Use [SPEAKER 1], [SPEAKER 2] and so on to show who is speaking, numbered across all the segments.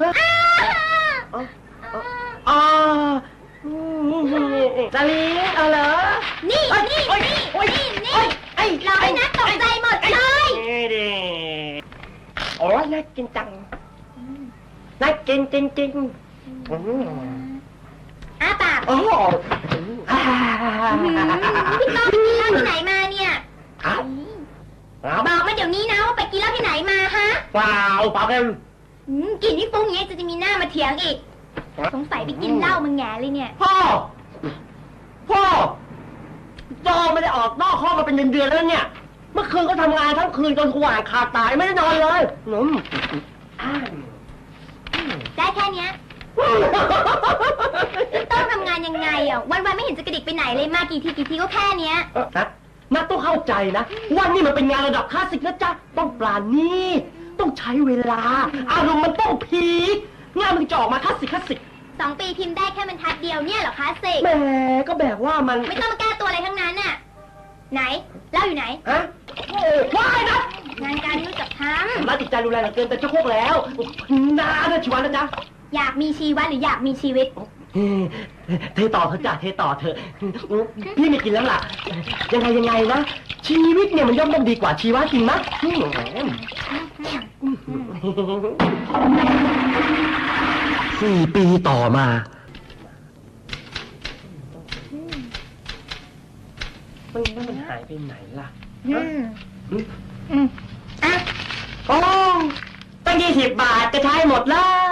[SPEAKER 1] อ๋อสลีเอาเหรอ
[SPEAKER 2] นี่รอให้นักตกใจหมดเลย
[SPEAKER 1] โอ้ยน่ากินจังน่ากินจริง
[SPEAKER 2] อ้าปาก
[SPEAKER 1] โอ้
[SPEAKER 2] พี่ต้อมไปกินเหล้าที่ไหนมาเนี่ยบอกมาเดี๋ยวนี้นะว่าไปกินเหล้าที่ไหนมาฮะ
[SPEAKER 1] เปล่ากัน
[SPEAKER 2] กินนี่ฟุ้งอย่างนี้จะมีหน้ามาเถียงอีกสงสัยไปกินเหล้ามึงแง่เลยเนี่ย
[SPEAKER 1] พ่อจอไม่ได้ออกนอกห้องมาเป็นเดือนแล้วเนี่ยเมื่อคืนก็ทำงานทั้งคืนจนสว่างขาดตายไม่ได้นอนเลย
[SPEAKER 2] ได้แค่เนี้ยต้องทำงานยังไงอ่ะวันไม่เห็นจะกระดิกไปไหนเลยมากี่ทีก็แค่เนี้ย
[SPEAKER 1] นักต้องเข้าใจนะว่านี่มันเป็นงานระดับคลาสสิกนะจ๊ะต้องปราณีตต้องใช้เวลาอารมณ์มันต้องพีคงานมันจะออกมาคลาสสิก
[SPEAKER 2] 2 ปีพิมพ์ได้แค่บรรทัดเดียวเนี่ยเหรอคลาสสิก
[SPEAKER 1] แหมก็แบบว่ามัน
[SPEAKER 2] ไม่ต้องมาแก้ตัวอะไรทั้งนั้นน่ะไหนเล่าอยู่ไหน
[SPEAKER 1] ว้ายนะ
[SPEAKER 2] งานการไม่รู้จักท
[SPEAKER 1] ำมาติดใจรุนแรงเกินแต่เจ้าพวกแล้วนาเนี่ยชีวันนะจ๊ะ
[SPEAKER 2] อยากมีชีวิตหรืออยากมีชีวิต
[SPEAKER 1] เทต่อเถอะจ้ะเทต่อเถอะพี่ไม่กินแล้วล่ะยังไงนะชีวิตเนี่ยมันย่อมต้องดีกว่าชีวะจริงมั้ย4 ปีต่อมามันหายไปไหนล่ะโอ้ตั้ง20 บาทจะใช้หมดแล้ว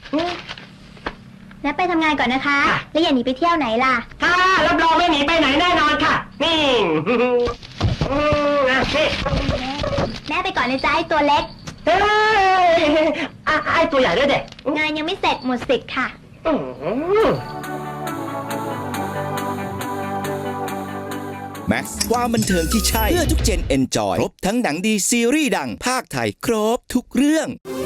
[SPEAKER 2] แล้วไปทำงานก่อนนะคะแล้วอย่าหนีไปเที่ยวไหนล่ะ
[SPEAKER 1] ค่ะรับรองไม่หนีไปไหนแน่นอนค่ะนี่
[SPEAKER 2] แม่ไปก่อนเลยจ้าไอ้ตัวเล็ก
[SPEAKER 1] ไอ้ตัวใหญ่ด้วยเด็ก
[SPEAKER 2] งานยังไม่เสร็จหมดสิทธิ์ค่ะ
[SPEAKER 3] แม็กซ์ความบันเทิงที่ใช่เพื่อทุกเจนเอนจอยครบทั้งหนังดีซีรีส์ดังภาคไทยครบทุกเรื่อง